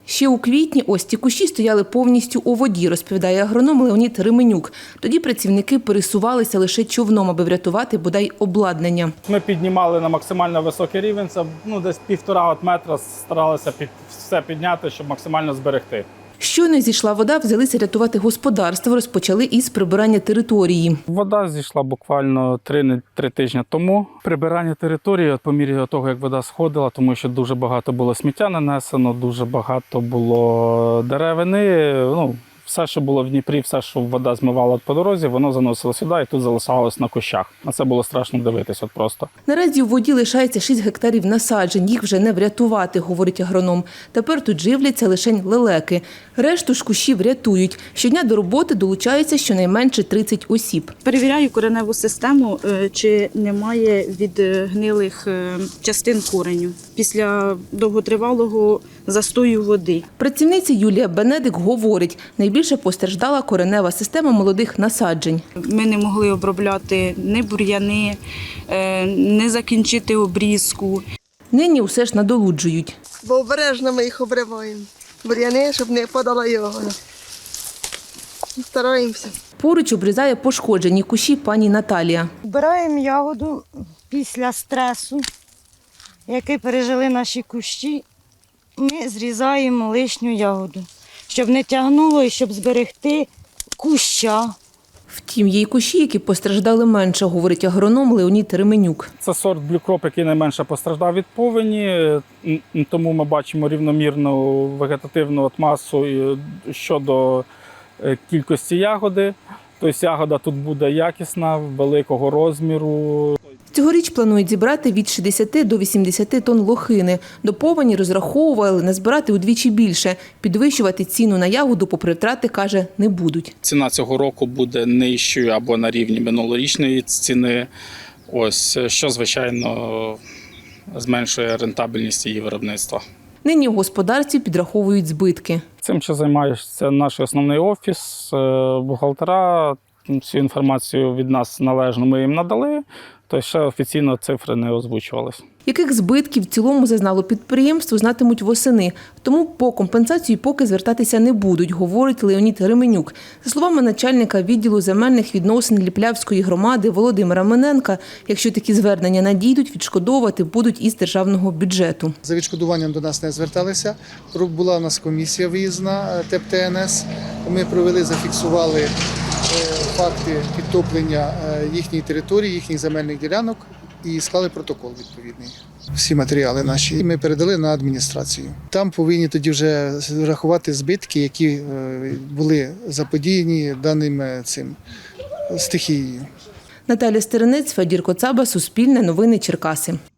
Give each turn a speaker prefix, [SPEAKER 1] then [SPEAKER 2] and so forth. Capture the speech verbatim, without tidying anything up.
[SPEAKER 1] Ще у квітні ось ці кущі стояли повністю у воді, розповідає агроном Леонід Ременюк. Тоді працівники пересувалися лише човном, аби врятувати бодай обладнання.
[SPEAKER 2] Ми піднімали на максимально високий рівень, це ну, десь півтора от метра, старалися під, все підняти, щоб максимально зберегти.
[SPEAKER 1] Щойно зійшла вода, взялися рятувати господарство, розпочали із прибирання території.
[SPEAKER 2] Вода зійшла буквально три, три тижні тому. Прибирання території от по мірі того, як вода сходила, тому що дуже багато було сміття нанесено, дуже багато було деревини. Ну, все, що було в Дніпрі, все, що вода змивала по дорозі, воно заносило сюди і тут залишалось на кущах. На це було страшно дивитися от просто.
[SPEAKER 1] Наразі у воді лишається шість гектарів насаджень, їх вже не врятувати, говорить агроном. Тепер тут живляться лише лелеки. Решту ж кущів рятують. Щодня до роботи долучаються щонайменше тридцять осіб.
[SPEAKER 3] Перевіряю кореневу систему, чи немає відгнилих частин кореню після довготривалого застою води.
[SPEAKER 1] Працівниця Юлія Бенедик говорить, найбільше постраждала коренева система молодих насаджень.
[SPEAKER 3] Ми не могли обробляти ні бур'яни, не закінчити обрізку.
[SPEAKER 1] Нині усе ж надолуджують.
[SPEAKER 4] Бо обережно ми їх обриваємо. Бур'яни, щоб не подала його. Стараємося.
[SPEAKER 1] Поруч обрізає пошкоджені кущі пані Наталія.
[SPEAKER 5] Збираємо ягоду після стресу, який пережили наші кущі. Ми зрізаємо лишню ягоду, щоб не тягнуло і щоб зберегти куща.
[SPEAKER 1] Втім, є й кущі, які постраждали менше, говорить агроном Леонід Ременюк.
[SPEAKER 2] Це сорт блюкроп, який найменше постраждав від повені, тому ми бачимо рівномірну вегетативну масу щодо кількості ягоди. Тобто ягода тут буде якісна, великого розміру.
[SPEAKER 1] Цьогоріч планують зібрати від шістдесяти до вісімдесяти тонн лохини. До повені розраховували назбирати удвічі більше. Підвищувати ціну на ягоду попри втрати, каже, не будуть.
[SPEAKER 2] Ціна цього року буде нижчою або на рівні минулорічної ціни, ось, що, звичайно, зменшує рентабельність її виробництва.
[SPEAKER 1] Нині у господарстві підраховують збитки.
[SPEAKER 2] Цим, що займається наш основний офіс, бухгалтера, всю інформацію від нас належно ми їм надали, то ще офіційно цифри не озвучувалися.
[SPEAKER 1] Яких збитків в цілому зазнало підприємство, знатимуть восени. Тому по компенсацію поки звертатися не будуть, говорить Леонід Ременюк. За словами начальника відділу земельних відносин Ліплявської громади Володимира Миненка, якщо такі звернення надійдуть, відшкодовувати будуть із державного бюджету.
[SPEAKER 6] За відшкодуванням до нас не зверталися. Була у нас комісія виїзна ТЕП Т Н С. Ми провели, зафіксували факти підтоплення їхньої території, їхніх земельних ділянок і склали протокол відповідний. Всі матеріали наші ми передали на адміністрацію. Там повинні тоді вже рахувати збитки, які були заподіяні даним цим стихією.
[SPEAKER 1] Наталя Стеренець, Федір Коцаба, Суспільне новини Черкаси.